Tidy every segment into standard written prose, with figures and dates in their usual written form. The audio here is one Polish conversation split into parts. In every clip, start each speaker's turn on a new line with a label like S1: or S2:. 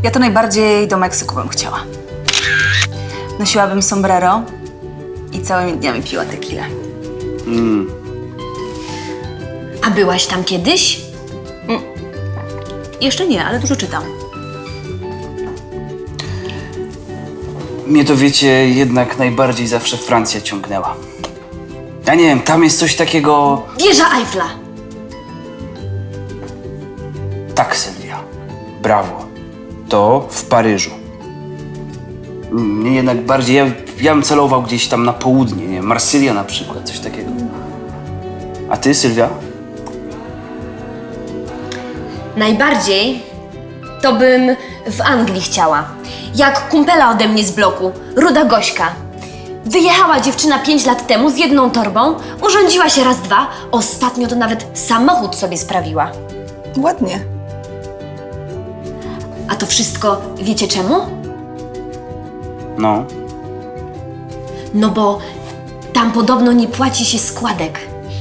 S1: Ja to najbardziej do Meksyku bym chciała. Nosiłabym sombrero i całymi dniami piła tequilę.
S2: A byłaś tam kiedyś?
S1: Jeszcze nie, ale dużo czytam.
S3: Mnie to, wiecie, jednak najbardziej zawsze Francja ciągnęła. Ja nie wiem, tam jest coś takiego...
S2: Wieża Eiffla.
S3: Tak, Sylwia. Brawo. To w Paryżu. Mnie jednak bardziej... Ja bym celował gdzieś tam na południe, nie wiem, Marsylia na przykład, coś takiego. A ty, Sylwia?
S2: Najbardziej to bym w Anglii chciała. Jak kumpela ode mnie z bloku, ruda Gośka. Wyjechała dziewczyna 5 lat temu z jedną torbą, urządziła się raz, dwa, ostatnio to nawet samochód sobie sprawiła.
S1: Ładnie.
S2: A to wszystko wiecie czemu?
S3: No.
S2: No bo tam podobno nie płaci się składek.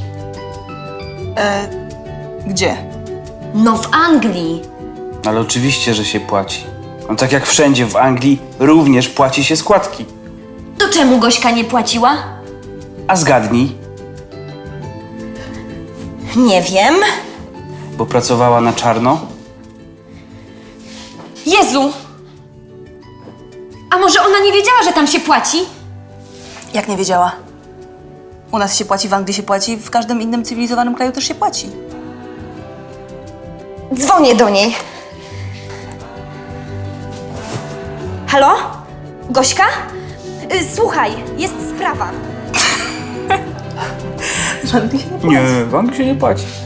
S1: Gdzie?
S2: No w Anglii.
S3: Ale oczywiście, że się płaci. No tak jak wszędzie w Anglii również płaci się składki.
S2: To czemu Gośka nie płaciła?
S3: A zgadnij,
S2: Nie wiem.
S3: bo pracowała na czarno.
S2: Jezu! A może ona nie wiedziała, że tam się płaci?
S1: Jak nie wiedziała? U nas się płaci, w Anglii się płaci, w każdym innym cywilizowanym kraju też się płaci.
S2: Dzwonię do niej. Halo? Gośka? Słuchaj, jest sprawa.
S1: W Anglii się nie płaci.
S3: Nie, w Anglii się nie płaci.